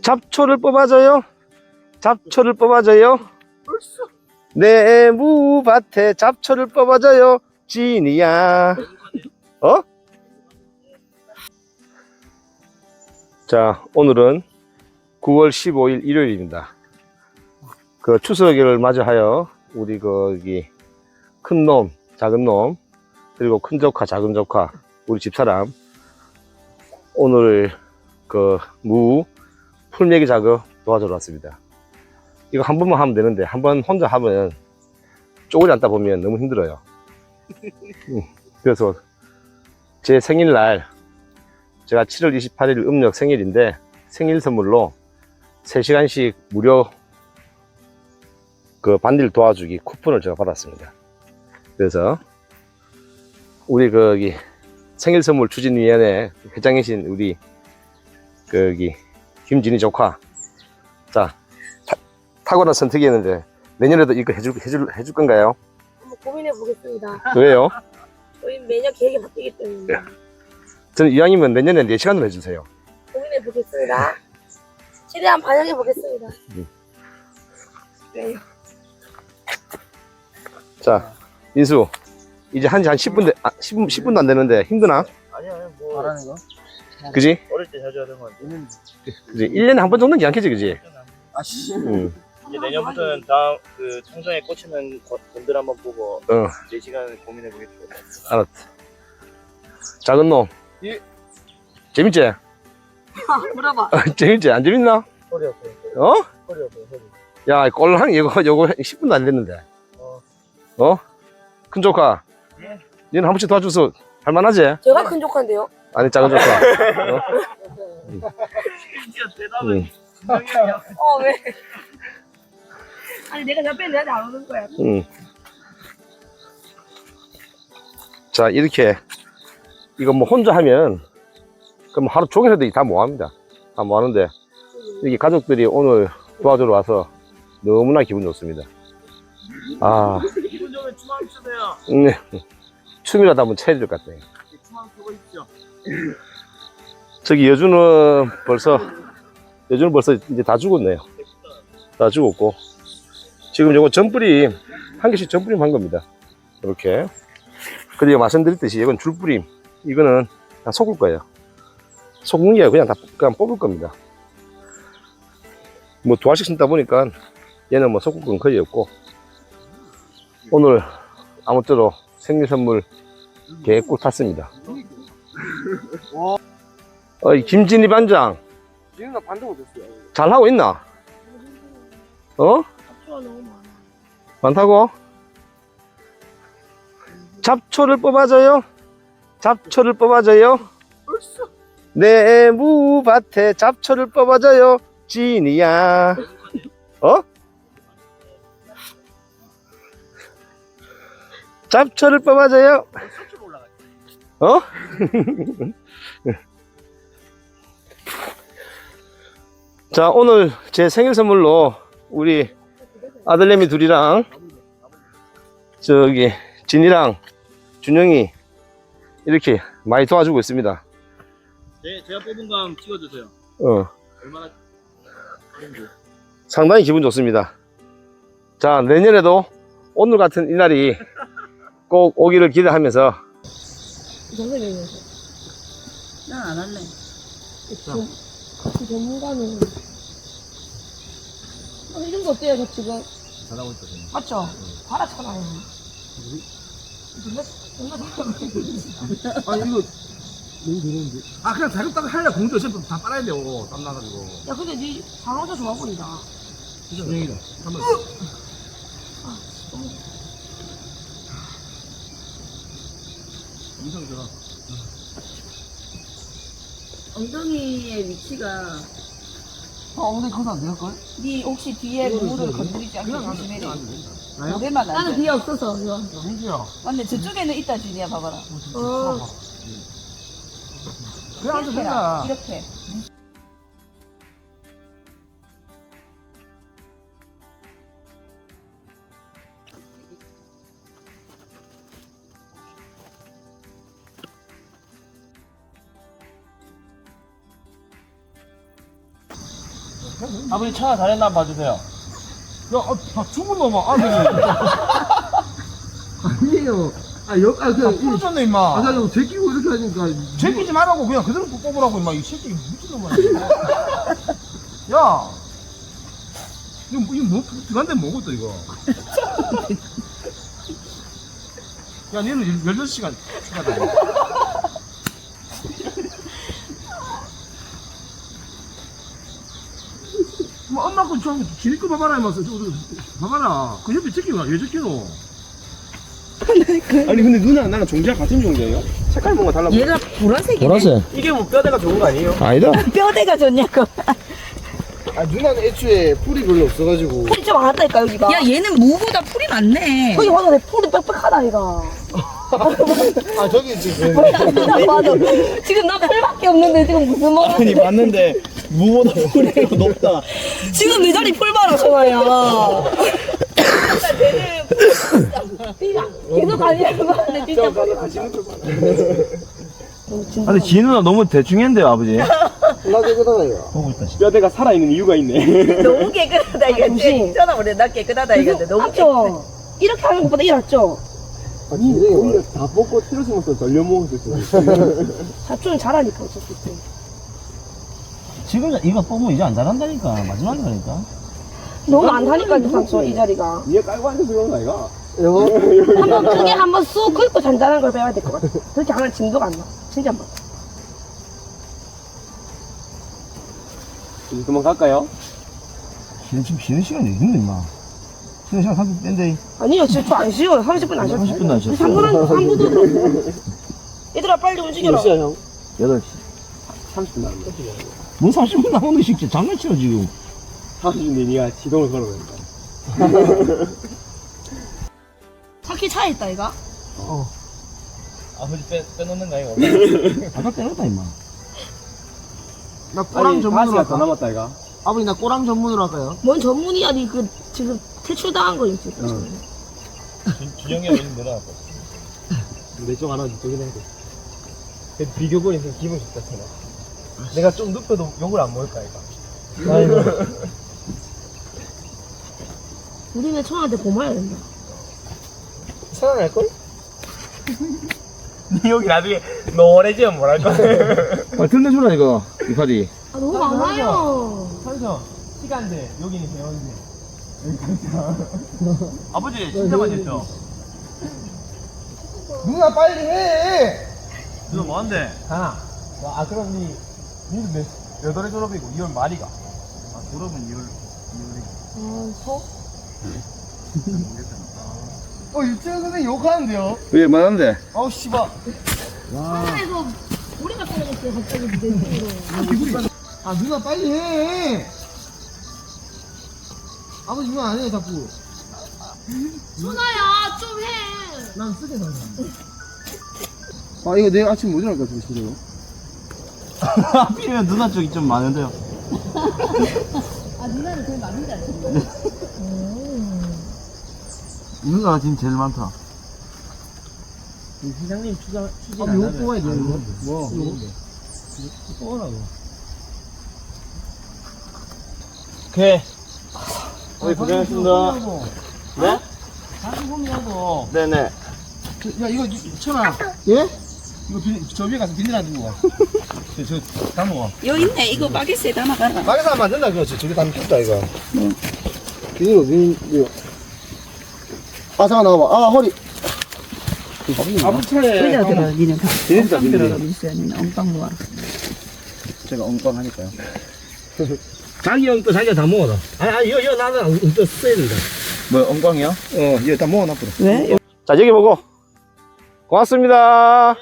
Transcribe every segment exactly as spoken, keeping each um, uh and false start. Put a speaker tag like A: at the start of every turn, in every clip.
A: 잡초를 뽑아줘요. 잡초를 뽑아줘요. 내 무밭에 잡초를 뽑아줘요. 지니야. 어? 자, 오늘은 구월 십오일 일요일입니다. 그 추석을 맞이하여 우리 거기 큰 놈, 작은 놈, 그리고 큰 조카, 작은 조카, 우리 집사람 오늘 그 무 풀매기 작업 도와주러 왔습니다. 이거 한 번만 하면 되는데 한 번 혼자 하면 쪼그리 앉다 보면 너무 힘들어요. 그래서 제 생일날 제가 칠월 이십팔일 음력 생일인데 생일 선물로 세 시간씩 무료 그 반일 도와주기 쿠폰을 제가 받았습니다. 그래서 우리 거기 생일 선물 추진위원회 회장이신 우리 거기 김진희 조카, 자 타, 탁월한 선택이었는데 내년에도 이거 해줄 해줄 해줄 건가요?
B: 한번 고민해 보겠습니다.
A: 왜요?
B: 저희 매년 계획이 바뀌기 때문에
A: 저는 이왕이면 내년에 네 시간으로 해주세요.
B: 고민해 보겠습니다. 최대한 반영해 보겠습니다.
A: 음.
B: 네.
A: 자, 인수 이제 한지 한 십 분 돼, 아, 십 분, 십 분도 안 되는데 힘드나?
C: 아니야, 뭐 말하는 거?
A: 그지?
C: 어릴 때 자주 하던 건
A: 그지? 일 년에 한 번 정도는 양캐지, 그지?
C: 아씨.
A: 응.
C: 이제 내년부터는 다음 그 청정에 꽂히는 분들 한번 보고
A: 어,
C: 네 시간 고민해 보겠죠.
A: 알았다. 작은 놈.
C: 예.
A: 재밌지?
B: 물어봐.
A: 재밌지? 안 재밌나?
C: 허리 아파요.
A: 어?
C: 허리 아파요. 허리.
A: 야, 꼴랑 이거, 요거 십 분도 안 됐는데.
C: 어.
A: 어? 큰 조카.
C: 예.
A: 니는 한 번씩 도와줘서 할만하지?
B: 제가 큰 조카인데요.
A: 아니, 작은 조카. 어?
C: 진짜 대답은
A: 응.
C: 분명히
B: 어 왜? 아니 내가 옆에 내한테 안 오는 거야.
A: 응. 자, 이렇게 이거 뭐 혼자 하면 그럼 하루 종일 해도 다 뭐합니다. 다 뭐하는데 이렇게 가족들이 오늘 도와주러 와서 너무나 기분 좋습니다. 아,
C: 기분 좋으면 춤 한번 추세요.
A: 음, 춤이라도 한번 춰야 될 것 같아요.
C: 춤 한번 추고 있죠.
A: 저기 여주는 벌써 여주는 벌써 이제 다 죽었네요. 다 죽었고 지금 요거 전뿌림 한 개씩 전뿌림 한 겁니다. 이렇게. 그리고 말씀드렸듯이 이건 줄뿌림, 이거는 그냥 섞을 거예요. 섞는 게 그냥 다 그냥 뽑을 겁니다. 뭐 두 알씩 심다 보니까 얘는 뭐 섞을 건 거의 없고 오늘 아무쪼록 생일 선물 개꿀 탔습니다. 어이 김진희 반장
C: 지금 나 반도 못했어요.
A: 잘 하고 있나? 어?
B: 잡초가 너무 많아.
A: 많다고? 잡초를 뽑아줘요. 잡초를 뽑아줘요. 내 무밭에 잡초를 뽑아줘요. 지니야. 어? 잡초를 뽑아줘요. 어? 자, 오늘 제 생일 선물로 우리 아들내미 둘이랑 저기 진이랑 준영이 이렇게 많이 도와주고 있습니다.
C: 네, 제가 뽑은 거 한번 찍어주세요.
A: 어,
C: 얼마나 좋은지.
A: 상당히 기분 좋습니다. 자, 내년에도 오늘 같은 이날이 꼭 오기를 기대하면서
B: 선생님이
D: 난 안 할래.
B: 같이 전문가는 어, 이 정도 어때요 저 지금?
C: 잘하고 있거든요.
B: 맞죠? 바라잖아요. 존나 존나
E: 아 이거 너무 더러운데. 아 그냥 자격따가 하려 공주 어차피 다 빨아야 돼요. 땀 나가지고.
B: 야 근데 니 장어자 좋아 보인다.
E: 진짜 다행이다. 한번. 인상 좋아.
D: 엉덩이의 위치가
E: 어 엉덩이 커서 안 될걸?
D: 네 혹시 뒤에 무를 건드리지 않게
E: 그냥 안 돼.
D: 조심해야
E: 그냥
D: 돼.
E: 안 돼.
D: 고개만 안
B: 나는
D: 돼.
B: 뒤에 없어서 이거.
E: 야 민주야.
D: 맞네, 저쪽에는 있다 준이야, 봐봐라.
B: 어.
E: 그냥 앉아
D: 이렇게
E: 된다.
D: 해라, 이렇게.
C: 아버지 천하 잘했나 한번 봐주세요.
E: 야, 아, 다 죽은 놈아, 아들이. 아니에요. 아, 여, 아,
C: 아,
E: 그냥. 이-
C: 부러졌네 임마.
E: 아, 나 이거 제끼고 이렇게 하니까.
C: 제끼지 말라고 그냥 그대로 뽑으라고 임마. 이 새끼 미친놈아. 야, 이거 뭐- 이거 뭐 들어간데 뭐고 또 이거. 야, 얘는 열여섯 시간 추가다.
E: 뭐, 엄마 거 좀, 지니 거 봐봐라, 이마서. 봐봐라. 그 옆에 제끼가 왜 제끼노?
A: 아니 근데 누나 나랑 종자 같은 종자예요? 색깔 뭔가 달라 보여.
D: 얘가 보라색이네.
A: 보라색.
C: 이게 뭐 뼈대가 좋은 거 아니에요?
A: 아니다.
D: 뼈대가 좋냐고.
E: 아, 누나는 애초에 풀이 별로 없어가지고.
B: 풀이 좀 많았다니까, 여기가.
D: 야, 얘는 무보다 풀이 많네.
B: 거기 봐도 내 풀이 빽빽하다, 이가.
E: 아, 저기 지금.
B: 나 봐도. 지금 나 풀밖에 없는데, 지금 무슨 말
C: 아니 봤는데 무보다 뿌리가 높다.
B: 지금 내 자리 풀 봐라, 전화야. 계속 가지는 거 같네, 진짜.
C: 근데 지희 누나 너무 대충 했는데요 아버지.
E: 나 깨끗하다, 이거.
C: 보고 있다.
A: 뼈대가 살아있는 이유가 있네.
D: 너무 깨끗하다, 이거.
B: 잠시.
D: 진짜 우리 나 깨끗하다, 이건데. 너무 깨끗해.
B: 맞죠? 이렇게 하는 것보다 이게 낫죠?
E: 아, 오히려 다 뽑고 틀어주면서 덜려 먹을 수 있어.
B: 사촌은 잘하니까, 어차피. 또.
C: 지금 이거 뽑으면 이제 안 잘한다니까. 마지막이라니까.
B: 너무 많다니까, 이 삼촌, 이 자리가.
A: 위에 깔고 앉아서 그런 거 아이가?
E: 이거?
B: 한번 크게 한번 쑥 긁고 잔잔한 걸 배워야 될 것 같아. 그렇게 하면 진도가 안 나. 진짜 안 나.
A: 이제 그만 갈까요?
C: 쉬는, 지금 쉬는 시간이 있는데 임마. 쉬는 시간 삼십 분 뺀데.
B: 아니요, 진짜 저안 쉬어요. 삼십 분 안 쉬어요.
C: 삼십 분도 안 쉬었어.
B: 삼 분은, 삼 분도 들어. 얘들아, 빨리 움직여라.
E: 몇 시야, 형?
C: 여덟 시.
E: 삼십 분 남았다.
C: 뭔 삼십 분 남았는데 진짜 장난치러 지금.
E: 삼십 분 니가 지동을 걸어야
B: 차키 차에 있다, 이가?
C: 아버지 빼, 빼놓는 거 아니고. 아까 빼놨다 임마.
E: 나 꼬랑 전문으로 할까?
A: 남았다 이가?
E: 아버지, 나 꼬랑 전문으로 할까요?
B: 뭔 전문이야, 니 그, 지금 퇴출당한 거 있지.
C: 준영이 형이 내려갔다.
E: 내쪽 하나 저기 해야 돼. 그래도 비교본이 좀 기분 좋다잖아. 내가 좀 눕혀도 욕을 안 먹을까, 이거. 아이고.
B: 우리네 청한테 고마워야 된다.
E: 살아날걸?
C: 니 여기 나중에 노래지면 뭐랄 거야.
A: 아, 들려주라 이거 이파리.
B: 아, 너무 많아요.
C: 삼성 시간대 여기는 배웠는데. 아버지 진짜 많이 했죠?
E: 누나, 빨리 해!
C: 누나 뭐한대?
E: 하나.
C: 아 그럼 니 니는 몇 여덟에 졸업이고 이월 말이가. 아 졸업은 이월 이월이고.
B: 아, 서?
E: 어, 유치원 선생님 욕하는데요?
A: 왜 많은데?
E: 아우, 씨발.
B: 하늘에서 우리가 떨어졌어요, 갑자기 내 뒤로.
E: 아, 누나, 빨리 해! 아버지, 이거 안 해, 자꾸.
B: 순아야, 좀 해.
E: 난 쓰게 살아. 아, 이거 내일 아침 못 일어날 것 같아, 진짜로.
C: 하필이면 누나 쪽이 좀 많은데요.
D: 아, 누나는 제일 많은데 않지?
C: 누나가 지금 제일 많다.
E: 회장님 추자, 추진 아, 이거 뽑아야 돼, 이거. 뭐? 이거.
C: 뽑으라고. 오케이.
A: 네, 고생하셨습니다.
C: 네? 다시 봄이라도. 네네.
E: 야, 이거, 천아. 예? 이거 비, 저 위에 가서 비닐 안 두고 와. 저, 저, 담아.
D: 여기 있네. 이거 바게트에 담아가라.
E: 막에서 하면 안 된다, 그렇지. 저기 담켰다 이거. 응. 비닐 어디, 이거. 아, 잠깐 나와봐. 아, 허리. 아버지 차에.
D: 그래야 들어, 니는.
A: 비닐이다,
D: 엉빵 들어가
A: 비닐.
D: 있어야 니는 엉빵 모아.
A: 제가 엉빵하니까요.
E: 자기 형 또 자기가 다 먹어라. 아니, 아니, 이거, 이거 나는 또 써야 된다.
A: 뭐 엉빵이요?
E: 어, 이거 다 먹어놔, 버려.
D: 왜?
A: 자 여기 보고 고맙습니다.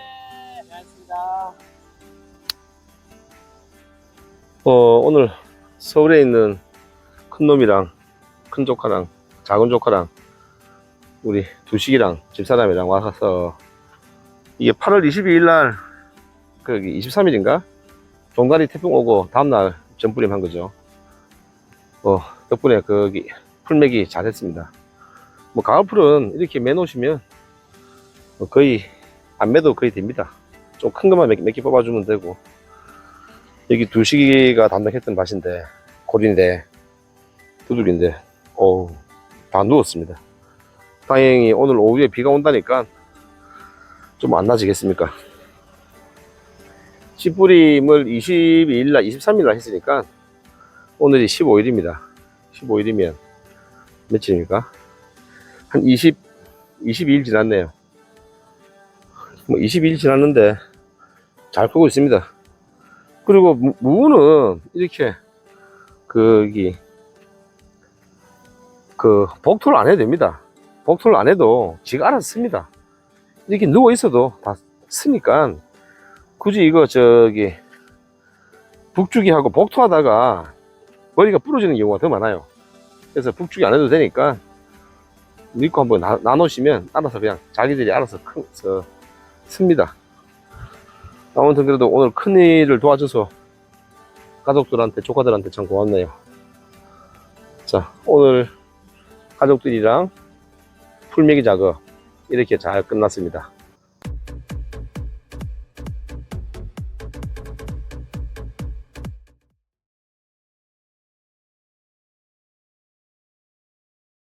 A: 어 오늘 서울에 있는 큰 놈이랑 큰 조카랑 작은 조카랑 우리 두식이랑 집사람이랑 와서 이게 팔월 이십이일 날 거기 이십삼 일인가 종다리 태풍 오고 다음날 전부림 한 거죠. 어 덕분에 거기 풀매기 잘했습니다. 뭐 가을풀은 이렇게 매놓으시면 뭐 거의 안 매도 거의 됩니다. 좀 큰 것만 몇 개 뽑아주면 되고 여기 두식이가 담당했던 밭인데 골인데, 두들인데, 어우, 다 누웠습니다. 다행히 오늘 오후에 비가 온다니까 좀 안 나지겠습니까? 씨 뿌림을 이십이 일날, 이십삼 일날 했으니까 오늘이 십오 일입니다. 십오 일이면 며칠입니까? 한 이십, 이십이 일 지났네요. 뭐 이십이 일 지났는데 잘 크고 있습니다. 그리고 무, 무는 이렇게 거기 그 복토를 안 해도 됩니다. 복토를 안 해도 지가 알아서 씁니다. 이렇게 누워 있어도 다 쓰니까 굳이 이거 저기 북주기하고 복토하다가 머리가 부러지는 경우가 더 많아요. 그래서 북주기 안 해도 되니까 믿고 한번 나, 나누시면 알아서 그냥 자기들이 알아서 큰, 저, 씁니다. 아무튼 그래도 오늘 큰일을 도와줘서 가족들한테, 조카들한테 참 고맙네요. 자, 오늘 가족들이랑 풀매기 작업 이렇게 잘 끝났습니다.